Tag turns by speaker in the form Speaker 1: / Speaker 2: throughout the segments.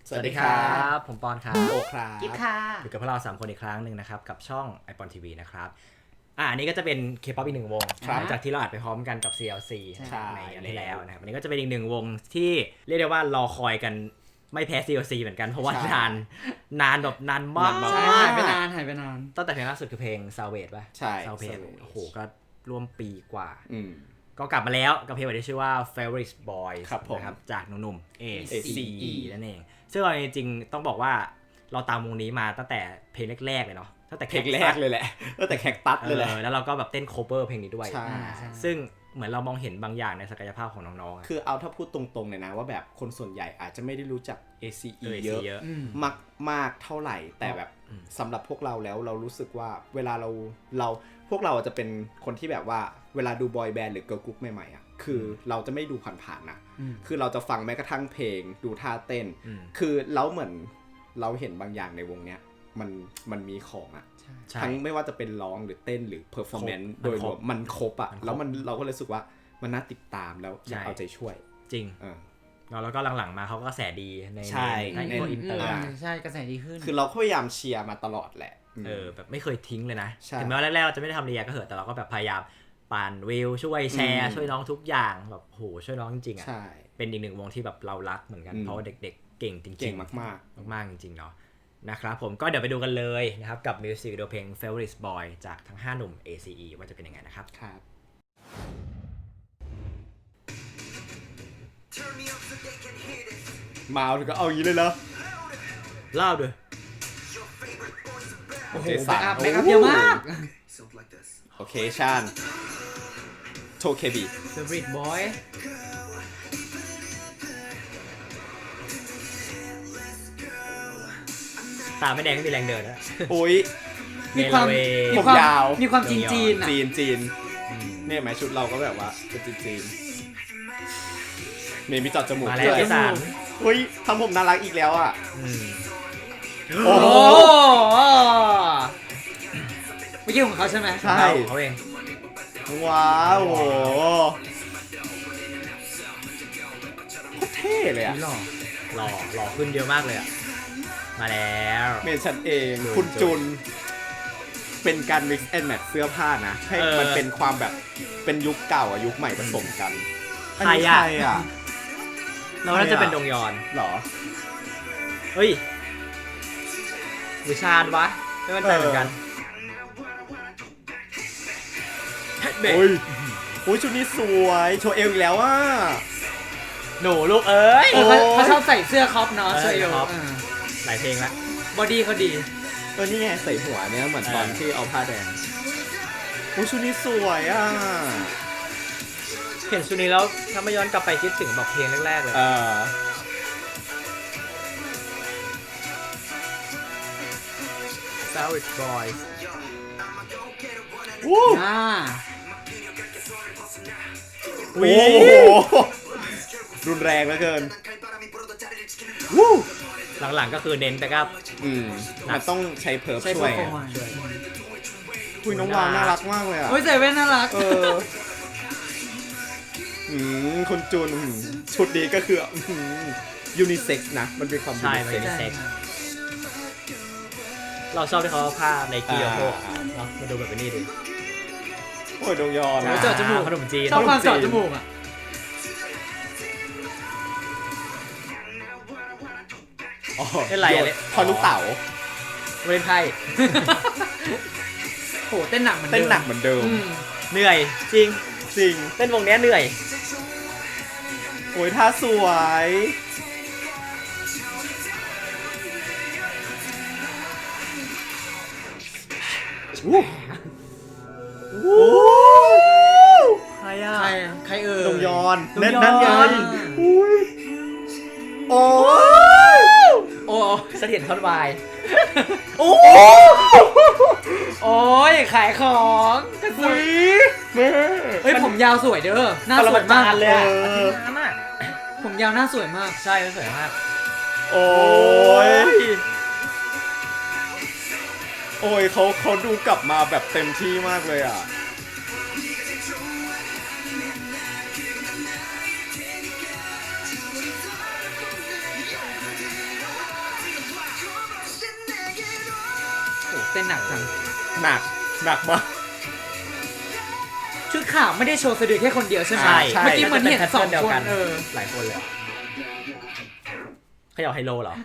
Speaker 1: สวัสดีครับผมปอนครับ
Speaker 2: โอครับ
Speaker 3: กิ๊บค่ะ
Speaker 1: อยู่กับพวกเรา3คนอีกครั้งหนึ่งนะครับกับช่อง iPon TV นะครับอันนี้ก็จะเป็น K-pop อีกหนึ่งวงหลังจากที่เราอัดไปพร้อมกันกับ CLC ในอันนี้แล้วนะครับอันนี้ก็จะเป็นอีกหนึ่งวงที่เรียกได้ว่ารอคอยกันไม่แพ้ CLC เหมือนกันเพราะว่านานแบบนานมาก
Speaker 3: หายไปนาน
Speaker 1: ตั้งแต่เพลงล่าสุดคือเพลง Salvage ป่ะ
Speaker 2: ใช่
Speaker 1: Salvage โอ้โหก็ร่วมปีกว่า
Speaker 2: ก็
Speaker 1: กลับมาแล้วกับเพลงที่ชื่อว่า Favorite Boys
Speaker 2: ครับผม
Speaker 1: นะครับจากหนุ่มๆ
Speaker 2: ACE
Speaker 1: นั่นเองซึ่งเราจริงๆต้องบอกว่าเราตามวงนี้มาตั้งแต่เพลงแรกๆเลยเนาะตั้งแต่
Speaker 2: เพลงแรกเลยแหละตั้งแต่แคคตัสเลยแหละ
Speaker 1: แล้วเราก็แบบเต้นโคเวอร์เพลงนี้ด้วย
Speaker 2: ใช่
Speaker 1: ซึ่งเหมือนเรามองเห็นบางอย่างในศักยภาพของน้องๆ
Speaker 2: คือเอาถ้าพูดตรงๆเลยนะว่าแบบคนส่วนใหญ่อาจจะไม่ได้รู้จัก ACE เยอะมากเท่าไหร่แต่แบบสำหรับพวกเราแล้วเรารู้สึกว่าเวลาเราพวกเราจะเป็นคนที่แบบว่าเวลาดูบอยแบนด์หรือเกิร์ลกรุ๊ปใหม่ๆอ่ะคือเราจะไม่ดูผ่านๆนะคือเราจะฟังแม้กระทั่งเพลงดูท่าเต้นคือเราเหมือนเราเห็นบางอย่างในวงเนี้ยมันมีของอ่ะทั้งไม่ว่าจะเป็นร้องหรือเต้นหรือเพอร์ฟอร์แมนซ์โดยรวมมันครบอ่ะแล้วเราก็เลยรู้สึกว่ามันน่าติดตามแล้วอยากเอาใจช่วย
Speaker 1: จริงแล้วก็หลังๆมาเขาก็กระแสดีในอินเตอร์
Speaker 3: ใช่กระแสดีขึ้น
Speaker 2: คือเราพยายามเชียร์มาตลอดแหละ
Speaker 1: แบบไม่เคยทิ้งเลยนะถึงแม้ว่าแรกๆเราจะไม่ได้ทำเรียก็เหอะแต่เราก็แบบพยายามปั่นวิวช่วยแชร์ช่วยน้องทุกอย่างแบบโหช่วยน้องจริงๆอ่ะเป็นอีกหนึ่งวงที่แบบเรารักเหมือนกันเพราะว่าเด็กๆเก่งจริงๆ
Speaker 2: เก่งมาก
Speaker 1: ๆจริงๆเนาะนะครับผมก็เดี๋ยวไปดูกันเลยนะครับกับมิวสิกวิดีโอเพลง Favorite Boy จากทั้ง5หนุ่ม ACE ว่าจะเป็นยังไงนะครับ
Speaker 2: มาถึงก็เอาอย่างนี้เลยเหรอ
Speaker 1: เล่าด้วย
Speaker 3: โอ้โหแบ็คอัพเยอะมาก
Speaker 2: โอเคชันโทเคบี
Speaker 3: Favorite Boy
Speaker 1: ตาไม่แดงไม่มีแรงเดินนะ
Speaker 2: โอ้ย
Speaker 3: มีความ
Speaker 2: ยาว
Speaker 3: มีความจีน
Speaker 2: เนี่ยไหมชุดเราก็แบบว่าเป็นจีนเมย์มีจอดจมูก
Speaker 1: มาแล้วไอ้สาร
Speaker 2: เฮ้ยทำผมน่ารักอีกแล้วอ่ะ
Speaker 3: โอ้ไม่ใช่ของเขาใช่ไหม
Speaker 2: ใช่
Speaker 1: เขาเอง
Speaker 2: ว้าวโหโคตรเท่เลยอ่ะ
Speaker 1: หล่อขึ้นเยอะมากเลยอ่ะมาแล้ว
Speaker 2: เมย์ฉันเองคุณจุนเป็นการ mix and match เสื้อผ้านะให้มันเป็นความแบบเป็นยุคเก่ากับยุคใหม่ผสมกัน
Speaker 1: ใครอ่ะเราน่าจะเป็นดงยอน
Speaker 2: หรอ
Speaker 1: เฮ้ยวิชาญวะไม่มั่นใจเหมือนกัน
Speaker 2: โอ้ยชุดนี้สวยโชว์เอวอีกแล้วอ่ะ
Speaker 1: หนูลูกเอ้ย
Speaker 3: เขาชอบใส่เสื้อคอปเนาะโชว์เอว
Speaker 1: หลายเพลงละ
Speaker 3: บอดี้เขาดี
Speaker 2: นี่ไงใส่หัวเนี้ยเหมือนตอนที่เอาผ้าแดงโอ้ชุดนี้สวยอ่ะ
Speaker 1: เห็นชุดนี้แล้วถ้าไม่ย้อนกลับไปคิดถึงแบบเพลงแรกๆเลยFavorite Boys
Speaker 2: โอ้รุนแรงเหลือเกิน
Speaker 1: หลังๆก็คือเน้นแต่ก็
Speaker 2: มันต้องใช้เพิร์ฟช่วยคุยน้องวาวน่ารักมากเลยอ่ะ
Speaker 3: ใส่แว่นน่ารัก
Speaker 2: คุณจูนชุดนี้ก็คือยูนิเซ็กซ์นะมันเป็นความยูนิเซ็กซ์
Speaker 1: เราชอบที่เขาผ้าในกีโอโฮเนาะมาดูแบบนี้ดิ
Speaker 2: โอ้ยดงยอน
Speaker 3: เจาะจมูก
Speaker 1: ขนมจีน
Speaker 3: ชอบความเจาะจมูกอ่ะ
Speaker 1: เป็นไรเลย
Speaker 2: พอลูกเต๋า
Speaker 1: เล่นไพ่
Speaker 3: โหเต้นหนักเหมือน
Speaker 2: เดิม
Speaker 1: เหนื่อยจริงเต้นวงนี้เหนื่อย
Speaker 2: โอ้ยท่าสวย
Speaker 1: ใครอ่ะ
Speaker 3: ใคร
Speaker 2: ดงยอนเล่นนั่นยันโอ้
Speaker 1: เสถียรท่อนวาย
Speaker 3: โอ้ยขายของกันสวยเฮ้ยผมยาวสวยเด้อหน้าสวยมาก
Speaker 1: เลย
Speaker 3: ผมยาวหน้าสวยมาก
Speaker 1: ใช่สวยมาก
Speaker 2: โอ้ยเขาดูกลับมาแบบเต็มที่มากเลยอ่ะ
Speaker 3: ต้นหนักจัง
Speaker 2: หนักมาก
Speaker 3: ชุดขาวไม่ได้โชว์สะดือแค่คนเดียวใช่ไหม
Speaker 1: ใช่
Speaker 3: เมื่อกี้เหมือนเห็นสอง
Speaker 1: เดียว
Speaker 3: คน
Speaker 1: กัน
Speaker 3: เออ
Speaker 1: หลายคนเลยเขาอยากไฮโลเหรอ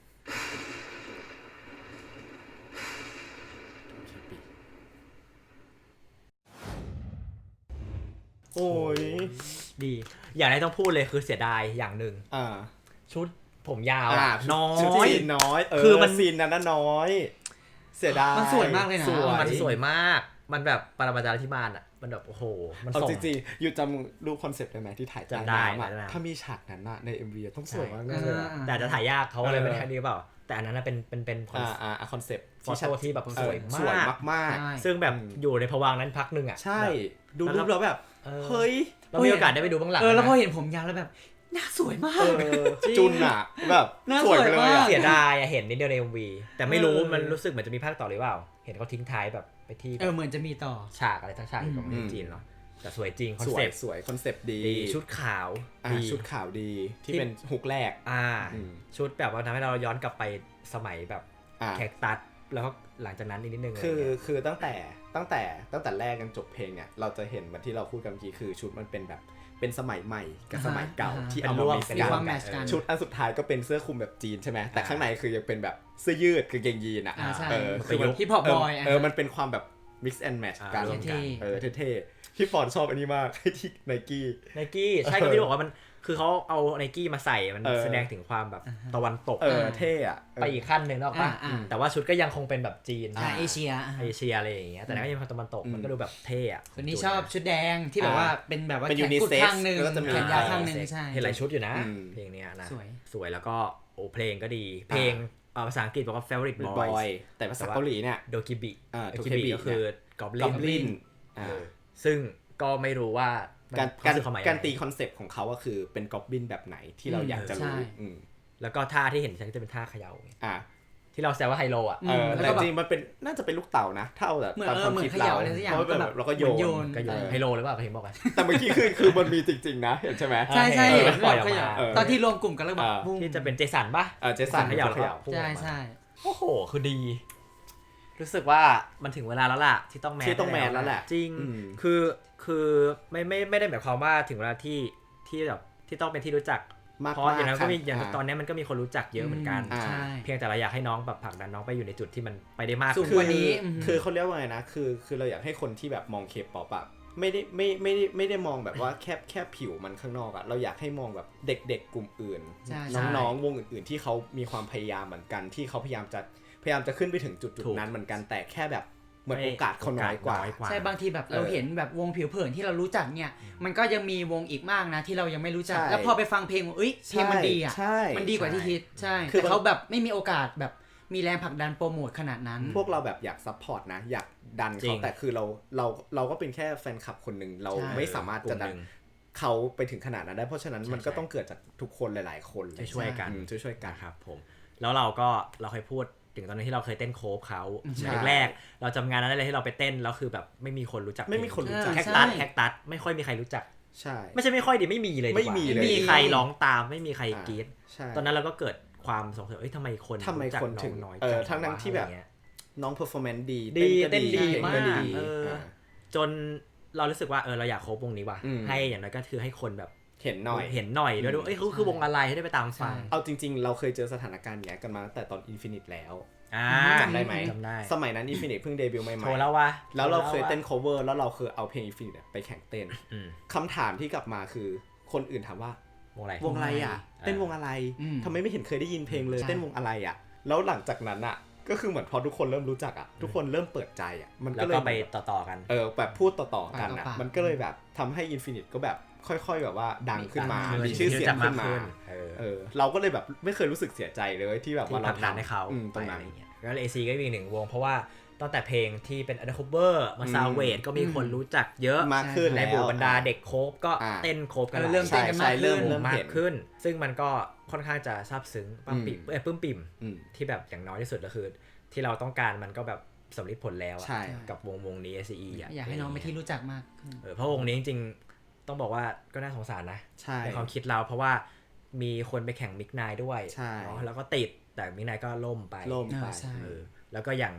Speaker 2: โอ้ย
Speaker 1: ดี อย่างไรต้องพูดเลยคือเสียดายอย่างหนึ่ง ชุดผมยาวน้อ
Speaker 2: ชุด
Speaker 1: ย
Speaker 2: ซีนน้อย
Speaker 1: คือมัน
Speaker 2: ซีนนั้นน่ะน้อย เสียดาย
Speaker 3: มันสวยมากเลยนะ
Speaker 1: มันสวยมาก มันแบบปรมาจารย์ที่บ้านอ่ะ มันแบบโอ้โห มัน
Speaker 2: เอา
Speaker 1: ส่ง
Speaker 2: จริงๆอยู่จำรูปคอนเซ็ปต์ได้ไหมที่ถ่ายใต้
Speaker 1: จำได้
Speaker 2: น้ำอะ
Speaker 1: จำได้
Speaker 2: ถ้ามีฉากนั้นน่ะใน MV อะต้องสวยมาก
Speaker 3: ใช่
Speaker 2: แน่เลยอะ
Speaker 1: แต่จะถ่ายยากเขาเลยไม่ได้ดีเปล่า แต่อันนั้นนะเป็นคอน
Speaker 2: คอนเซ็ปต์
Speaker 1: ฟอโต้ที่แบบสวย
Speaker 2: สวย
Speaker 1: มาก
Speaker 2: มาก
Speaker 3: ใช่
Speaker 1: ซึ่งแบบอยู่ในภวังค์นั้นพักหนึ่งอ่ะ
Speaker 2: ๆใช่ ดู
Speaker 1: แล้ว
Speaker 2: รูปแล้วแบบ เฮ้ย
Speaker 1: เรามีโอกาสได้ไปดูบ้างหลัง
Speaker 3: แล้วพอ
Speaker 1: นะ
Speaker 3: เห็นผมยาวแล้วแบบหน้าสวยมาก
Speaker 2: จุนอะแบบ
Speaker 3: น่า
Speaker 2: สวยไป
Speaker 3: สวย
Speaker 2: เลย
Speaker 3: มา
Speaker 2: อะ
Speaker 3: ก
Speaker 1: เสียดายอะเห็นนิดเดียวใน MV แต่ไม่รู้
Speaker 3: เออ
Speaker 1: มันรู้สึกเหมือนจะมีภาคต่อหรือเปล่า เห็นเขาทิ้งท้ายแบบไปที่
Speaker 3: เหมือนจะมีต่อ
Speaker 1: ฉากอะไรทั้งฉากอยู่ของประเทศจีนเนาะแต่สวยจริงคอน
Speaker 2: สว
Speaker 1: เซ็
Speaker 2: ย
Speaker 1: ปต์
Speaker 2: สวยคอนเซปต์ดี
Speaker 1: ดีชุดขาว
Speaker 2: อ่ะ
Speaker 1: ดี
Speaker 2: ชุดขาวดีที่
Speaker 1: ที่
Speaker 2: เป็นฮุกแรก อืม
Speaker 1: ชุดแบบว่าทำให้เราย้อนกลับไปสมัยแบบ
Speaker 2: อ่ะ
Speaker 1: แคคตัสแล้วก็หลังจากนั้นอีกนิดนึง
Speaker 2: คือตั้งแต่แรกกันจบเพลงเนี่ยเราจะเห็นเหมือนที่เราพูดกันเมื่อกี้คือชุดมันเป็นแบบเป็นสมัยใหม่กับสมัยเก่า
Speaker 3: อ่าฮะ
Speaker 2: ที่
Speaker 1: เป็น
Speaker 2: เอา
Speaker 1: ร่ว
Speaker 2: มาม มิกซ์
Speaker 3: มี
Speaker 2: กั
Speaker 3: ความ
Speaker 2: น
Speaker 3: แมทช์กัน
Speaker 2: ชุดอันสุดท้ายก็เป็นเสื้อคลุมแบบจีนใช่ไหมแต่ข้างในคือยังเป็นแบบเสื้อยืดกางเกงยีนอ่ะ
Speaker 3: ใช่
Speaker 2: คือมัน
Speaker 3: ฮิปฮอปบอย
Speaker 2: มันเป็นความแบบ mix and match กัน
Speaker 1: รวมกัน
Speaker 2: เท่ๆพี่ฟอนชอบอันนี้มากที่ไนกี้
Speaker 1: ไนกี้ใช่ก็ที่บอกว่ามันคือเขาเอาไนกี้มาใส่มัน
Speaker 2: เออ
Speaker 1: แสดงถึงความแบบตะวันตก
Speaker 2: เท่อะ
Speaker 1: ไปอีกขั้นหนึ่งแล้วป่ะ
Speaker 3: อ่า
Speaker 1: แต่ว่าชุดก็ยังคงเป็นแบบจีน
Speaker 3: เอเชีย
Speaker 1: เอเชียอะไรอย่างเงี้ยแต่ก็ยังเป็นตะวันตกมันก็ดูแบบเท่อะ
Speaker 3: คนนี้ชอบชุดแดงที่แบบว่าเป็นแบบว่า
Speaker 2: เป็น
Speaker 3: แขนกุด
Speaker 2: unisex
Speaker 3: ข้างหนึ่ง
Speaker 2: แล้วก็จะมี
Speaker 3: แขนยาวข้างหนึ่งใช่
Speaker 1: เห็นหลายชุดอยู่นะ
Speaker 2: อืม
Speaker 1: เพลงเนี้ยนะ
Speaker 3: สวย
Speaker 1: แล้วก็โอ้เพลงก็ดี เพลงภาษาอังกฤษบอกว่า favorite
Speaker 2: บ
Speaker 1: boys
Speaker 2: อยแต่ภาษาเกาหลีเนี่ย
Speaker 1: โดกิบิ
Speaker 2: โด
Speaker 1: กิ
Speaker 2: เค
Speaker 1: บิ
Speaker 2: บิ
Speaker 1: ก็คือก
Speaker 2: อบ
Speaker 1: goblin
Speaker 2: ลิน
Speaker 1: ซึ่งก็ไม่รู้ว่ามัน
Speaker 2: การ
Speaker 1: สื่อความหมาย
Speaker 2: การ
Speaker 1: ยังไง
Speaker 2: ตีคอนเซปต์ของเขาก็คือเป็นกอบลินแบบไหนที่เราอยากจะรู้
Speaker 3: ใช่
Speaker 2: อืม
Speaker 1: แล้วก็ท่าที่เห็นฉันจะเป็นท่าเขย่า
Speaker 2: อ่ะ
Speaker 1: ที่เราแซวว่าไฮโลอ่ะ
Speaker 3: แล้ว
Speaker 2: แต่
Speaker 3: ก็แบบ
Speaker 2: จริงมันเป็นน่าจะเป็นลูกเต่านะถ้าเอาแบบ
Speaker 3: เหมือน
Speaker 2: ตามความ
Speaker 3: เหมือน
Speaker 2: คิด
Speaker 3: เข
Speaker 2: เรา
Speaker 3: ย่าอะไรสักอย่าง
Speaker 2: เพราะว่าแบบเราก็โย
Speaker 3: เหมือนโย
Speaker 2: น
Speaker 3: น
Speaker 1: ก็อยู่ไฮโลหรือเปล่าเขาเห็นบอกกัน
Speaker 2: แต่เมื่อกี้คือมันมีจริงๆนะเห็นใช่ไหม
Speaker 3: ใช่ใช่
Speaker 1: เออ
Speaker 3: เห็น
Speaker 1: ปล่อยออก
Speaker 3: เข
Speaker 1: มา
Speaker 3: ย่าตอนที่รวมกลุ่มกันแล้วแบบ
Speaker 1: ที่จะเป็นเจสันป่ะ
Speaker 2: เจสัน
Speaker 1: เขย่า
Speaker 2: เขย่า
Speaker 1: พุ่งออก
Speaker 3: ใช่
Speaker 1: มา
Speaker 3: ใช่
Speaker 1: โอ้โหคือดี รู้สึกว่ามันถึงเวลาแล้วล่ะที่ต้องแมน
Speaker 2: ที่ต้องแมนแล้วแหละ
Speaker 1: จริง
Speaker 2: อืม
Speaker 1: คือไม่ได้หมายความว่าถึงเวลาที่แบบที่ต้องเป็นที่รู้จัก
Speaker 2: มาก
Speaker 1: เพราะอย่างนั้นก็มี
Speaker 2: ๆ
Speaker 1: อย่างตอนนี้มันก็มีคนรู้จักเยอะเหมือนกัน
Speaker 2: อ่า
Speaker 3: ใช่
Speaker 1: เพียงแต่เราอยากให้น้องแบบผลักดันน้องไปอยู่ในจุดที่มันไปได้มาก
Speaker 3: สูง
Speaker 1: ขึ้น
Speaker 3: กว่านี้
Speaker 2: คือเขาเรียกว่าไงนะคือเราอยากให้คนที่แบบมองเคป๊อปอะไม่ได้มองแบบว่าแค่ผิวมันข้างนอกอะเราอยากให้มองแบบเด็กๆกลุ่มอื่น
Speaker 3: ใช่
Speaker 2: น้องๆวงอื่นๆที่เขามีความพยายามเหมือนกันที่เขาพยายามจะขึ้นไปถึงจุด
Speaker 1: ถูก
Speaker 2: นั้นเหมือนกันแต่แค่แบบเหมือนโอกาสเขาน้อยกว่า
Speaker 3: ใช่บางทีแบบเราเห็นแบบวงผิวเผินที่เรารู้จักเนี่ยมันก็ยังมีวงอีกมากนะที่เรายังไม่รู้จัก
Speaker 2: ใช่
Speaker 3: แล้วพอไปฟังเพลงเอ้ยเพลงมันดีอ่ะ
Speaker 2: ใช่
Speaker 3: มันดีกว่าที่คิดใช่
Speaker 2: คือ
Speaker 3: แต่เขาแบบไม่มีโอกาสแบบมีแรงผลักดันโปรโมทขนาดนั้น
Speaker 2: พวกเราแบบอยากซัพพอร์ตนะอยากดัน
Speaker 1: จริ
Speaker 2: เขา
Speaker 1: ง
Speaker 2: แต่คือเราก็เป็นแค่แฟนคลับคนหนึ่งเรา
Speaker 3: ใช่
Speaker 2: ไม่สามารถจะดันเขาไปถึงขนาดนั้นได้เพราะฉะนั้นมันก็ต้องเกิดจากทุกคนหลายๆคนเลย
Speaker 1: ช่วยๆกัน
Speaker 2: ช่วยๆกัน
Speaker 1: นะครับผมแล้วเราเคยพูดถึงตอนนั้นที่เราเคยเต้นโคฟเขา
Speaker 2: ใช่
Speaker 1: แรกๆเราจำงานนั้นได้เลยที่เราไปเต้นแล้วคือแบบไม่มีคนรู้จัก
Speaker 2: ไม่มีคนรู้จัก
Speaker 1: แคคตัสไม่ค่อยมีใครรู้จัก
Speaker 2: ใช่
Speaker 1: ไม่ใช่ไม่ค่อยดิไม่มีเลยดีกว่า
Speaker 2: ไม่มีเลย
Speaker 1: ไม่มีใครร้องตามไม่มีใครกรี๊ด
Speaker 2: ใช่
Speaker 1: ตอนนั้นเราก็เกิดความสงสัยทำไมคน
Speaker 2: ทำไม
Speaker 1: รู้จัก
Speaker 2: คนถึง
Speaker 1: น้อย
Speaker 2: ทั้งที่แบบ
Speaker 1: อะไรเงี้ย
Speaker 2: น้องเพอร์ฟอร์แมนซ์ดี
Speaker 1: ดี
Speaker 2: ก็
Speaker 1: เต้นดี
Speaker 2: เพลงก็ดี
Speaker 1: มากจนเรารู้สึกว่าเราอยากโคฟวงนี้ว่ะ
Speaker 2: อืม
Speaker 1: ให้อย่างน้อยก็คือให้คนแบบ
Speaker 2: เห็นหน่อย
Speaker 1: เห็นหน่อยด้วยดูเขาคือวงอะไรให้ได้ไปตามฟัง
Speaker 2: เอาจริงๆ เราเคยเจอสถานการณ์อย่างนี้ยกันมาตั้งแต่ตอน Infinite แล้ว
Speaker 1: จำ
Speaker 2: จำได้ไหม
Speaker 1: จำได้
Speaker 2: สมัยนั้น Infinite เพิ่งเดบิวต์ใหม่
Speaker 1: โชว์แล้ววะ
Speaker 2: ๆแล้วเราเคยเต้น cover แล้วเราเคยเอาเพลง Infinite ไปแข่งเต้น
Speaker 1: อืม
Speaker 2: คำถามที่กลับมาคือคนอื่นถามว่าว
Speaker 1: งอะไร
Speaker 2: วงอะไรอ่ะ เต้นวงอะไร
Speaker 3: อืม
Speaker 2: ทำไมไม่เห็นเคยได้ยินเพลงเลย
Speaker 3: ใช่
Speaker 2: เต้นวงอะไรอ่ะ แล้วหลังจากนั้นอ่ะก็คือเหมือนพอทุกคนเริ่มรู้จักอ่ะทุกคนเริ่มเปิดใจอ่ะมัน
Speaker 1: แล้
Speaker 2: ก็
Speaker 1: ว
Speaker 2: เลย
Speaker 1: ก็ไปต่อๆกัน
Speaker 2: แบบพูดต่อๆกันอ่ะ
Speaker 3: ปากต่อปาก
Speaker 2: มันก็เลยแบบทำให้ Infinite ก็แบบค่อยๆแบบว่าดังขึ้นมา
Speaker 3: ดัง
Speaker 2: มีชื่อเสียงขึ้นมา
Speaker 1: เออ
Speaker 2: เราก็เลยแบบไม่เคยรู้สึกเสียใจเลยที่แบบ
Speaker 1: ที่
Speaker 2: ว่า
Speaker 1: ผ
Speaker 2: เรา
Speaker 1: ลักดันให้เขา
Speaker 2: ตรงนั้น
Speaker 1: อะไรเงี้ยแล้ว AC ก็มีอีกหนึ่งวงเพราะว่าตั้งแต่เพลงที่เป็น Undercover มาซาวเวทก็มีคนรู้จักเยอะ
Speaker 2: มากขึ้น
Speaker 1: ใน
Speaker 2: แล้ว
Speaker 1: หมู่บรรดาเด็กโคฟก็
Speaker 2: อ่า
Speaker 1: เต้นโคฟกัน
Speaker 3: เริ่มเต้นกันมาก
Speaker 2: ใช่เริ่
Speaker 3: ขึ้น
Speaker 2: ม
Speaker 1: มา
Speaker 2: เห็
Speaker 1: ก
Speaker 2: น
Speaker 1: ขึ้น ซึ่งมันก็ค่อนข้างจะซาบซึ้งปลื้มปิ่ม
Speaker 2: อืม
Speaker 1: ที่แบบอย่างน้อยที่สุดก็คือ ที่เราต้องการมันก็แบบสำลิดผลแล้วอะ
Speaker 2: ใช่
Speaker 1: กับวงนี้ SCE อ่ะ
Speaker 3: อยากให้น้องไปนที่รู้จักมากขึ้น
Speaker 1: เพราะวงนี้จริงๆต้องบอกว่าก็น่าสงสารนะ
Speaker 2: ใช่
Speaker 1: ในความคิดเราเพราะว่ามีคนไปแข่งมิกไนด้วย
Speaker 2: ใช่
Speaker 1: เนาะแล้วก็ติดแต่มิกไนก็ล่มไป
Speaker 2: ล่มไป
Speaker 3: ใช่
Speaker 1: แล้วก็อย่าง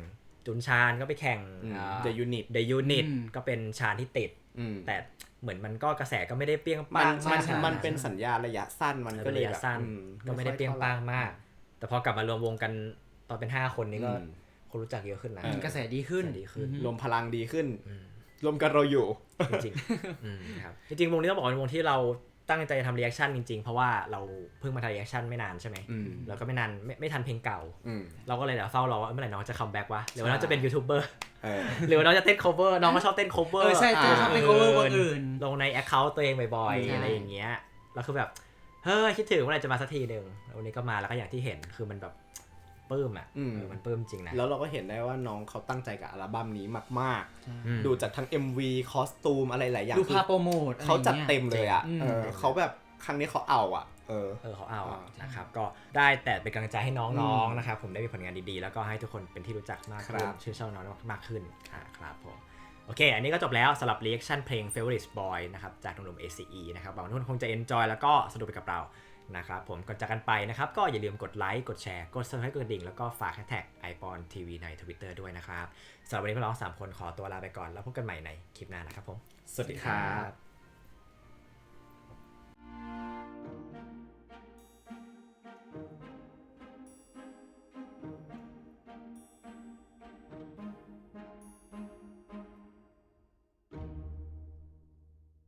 Speaker 1: จุนชานก็ไปแข่ง
Speaker 2: The Unit
Speaker 1: The Unit ก็เป็นชานที่ติดแต่เหมือนมันก็กระแสก็ไม่ได้เปรี้ยงปัง
Speaker 2: มันเป็นสัญญาระยะสั้นมันก็เลยแบบ
Speaker 1: ก็ไม่ได้เปรี้ยงปังมากแต่พอกลับมารวมวงกันตอนเป็น5คนนี้ก็คนรู้จักเยอะขึ้นนะ
Speaker 3: กระแสดีขึ้น
Speaker 2: รวมพลังดีขึ้นรวมกันเราอยู่
Speaker 1: จริงๆครับจริงๆวงนี้ต้องบอกว่าเป็นวงที่เราตั้งใจทำรีแอคชั่นจริงๆเพราะว่าเราเพิ่งมาทำรีแอคชั่นไม่นานใช่ไหมแล้วก็ไม่นานไม่ทันเพลงเก่าเราก็เลยเดี๋ยวเฝ้ารอว่าเมื่อไหร่น้องจะคัมแบ็กวะหรือว่าน้องจะเป็นยูทูบเบอร์หรือว่าน้องจะเต้น cover น้องก็ชอบเต้น cover
Speaker 3: ใช่ชอบเต้น cover วงอื่น
Speaker 1: ลงใน account ตัวเองบ่อยๆอะไรอย่างเงี้ยแล้วคือแบบเฮ้ยคิดถึงเมื่อไหร่จะมาสักทีนึงวันนี้ก็มาแล้วก็อย่างที่เห็นคือมันแบบปลื้มอ่ะมันปลื้มจริงนะ
Speaker 2: แล้วเราก็เห็นได้ว่าน้องเขาตั้งใจกับอัลบั้มนี้มากๆดูจากทั้ง MV คอสตูมอะไรหลายอย่าง
Speaker 3: ดูภาพโปรโมท
Speaker 2: เขาจัดเต็มเลยอ่ะเขาแบบครั้งนี้เขาเอาอ่ะ
Speaker 1: เขาเอานะครับก็ได้แต่เป็นกำลังใจให้น้องๆนะครับผมได้มีผลงานดีๆแล้วก็ให้ทุกคนเป็นที่รู้จักมากขึ้นชื่นชอบน้องมากขึ้นครับผมโอเคอันนี้ก็จบแล้วสำหรับ reaction เพลง Favorite Boy นะครับจากหนุ่มๆ ACE นะครับหวังว่าทุกคนคงจะ enjoy แล้วก็สนุกไปกับเรานะครับผมก่อนจากกันไปนะครับก็อย่าลืมกดไลค์กดแชร์กด subscribe กดกระดิ่งแล้วก็ฝาก hashtag #iPonTV ใน Twitter ด้วยนะครับสำหรับวันนี้พวกเรา3คนขอตัวลาไปก่อนแล้วพบกันใหม่ในคลิปหน้านะครับผม
Speaker 2: สวัสดีครับ